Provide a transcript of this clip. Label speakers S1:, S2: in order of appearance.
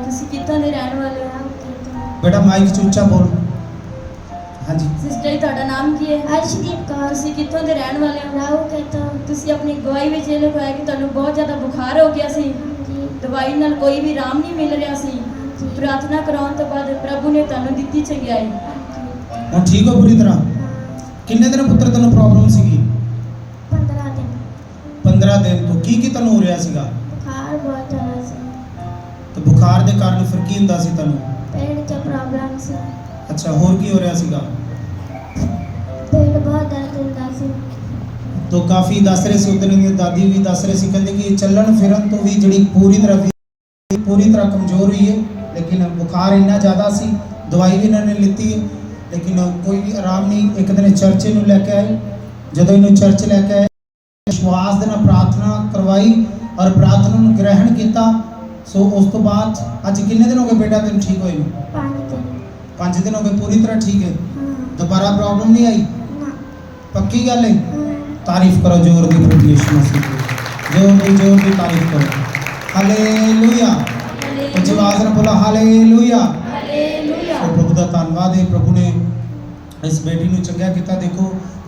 S1: ਤੁਸੀਂ ਕਿੱਥੋਂ ਦੇ ਰਹਿਣ ਵਾਲੇ ਹੋ?
S2: बेटा माइक च उच्चा बोल। हाँ जी
S1: ਸਿਸਟਰ ਜੀ ਤੁਹਾਡਾ ਨਾਮ ਕੀ ਹੈ?
S3: अर्शदीप कौर
S1: ਤੁਸੀਂ ਕਿੱਥੋਂ ਦੇ ਰਹਿਣ ਵਾਲੇ ਹੋ?
S3: राहू के तो
S1: ਤੁਸੀਂ ਆਪਣੀ ਗਵਾਹੀ ਵਿੱਚ ਇਹ ਲਿਖਾਇਆ ਕਿ ਤੁਹਾਨੂੰ ਬਹੁਤ ਜ਼ਿਆਦਾ ਬੁਖਾਰ ਹੋ ਗਿਆ ਸੀ,
S3: जी
S1: ਦਵਾਈ ਨਾਲ ਕੋਈ ਵੀ ਆਰਾਮ ਨਹੀਂ ਮਿਲ ਰਿਹਾ ਸੀ।
S3: जी
S1: ਪ੍ਰਾਰਥਨਾ ਕਰਾਉਣ ਤੋਂ ਬਾਅਦ ਪ੍ਰਭੂ ਨੇ ਤੁਹਾਨੂੰ ਦਿੱਤੀ ਚੰਗਿਆਈ।
S2: ਹੁਣ ਠੀਕ ਹੋ पूरी तरह? किन्ने दिन पुत्र तेन प्रॉब्लम सीगी?
S3: 15 दिन
S2: 15 दिन तो की तेन हो रहा सीगा?
S3: बुखार बहुत ज़्यादा से
S2: तो बुखार के कारण फिर की हुंदा सी तेन?
S3: पेट के प्रॉब्लम से
S2: अच्छा होर की हो रहा सीगा?
S3: पेट बहुत दर्द होता से
S2: तो काफ़ी दस रहे सी, उधर दी दादी भी दस रहे सी, कहते कि चलन फिरन तो भी जी पूरी तरह कमज़ोर हुई है, लेकिन बुखार इन्ना ज़्यादा सी, दवाई भी इन्होंने लीती है लेकिन कोई भी आराम नहीं। एक दिन चर्च इन्हूं लैके आए, जदों इन्हूं चर्च लैके आए विश्वास दे नाल प्रार्थना करवाई और प्रार्थना नूं ग्रहण किया। सो उस तो बाद अज किन्ने दिन हो गए बेटा तेन ठीक होए?
S3: 5 दिन
S2: 5 दिन हो गए, पूरी तरह ठीक है,
S3: हाँ
S2: दोबारा प्रॉब्लम नहीं आई?
S3: ना
S2: पक्की गल है?
S3: हाँ
S2: तारीफ करो जोर दी प्रभु यीशु मसीह की, जोर दी तारीफ करो। हालेलुया। उच्च आवाज़ नाल बोलो हालेलुया।
S1: ਹਾਲੇਲੂਇਆ।
S2: प्रभु का धन्यवाद है, प्रभु ने इस बेटी नूं चंगा किया। देखो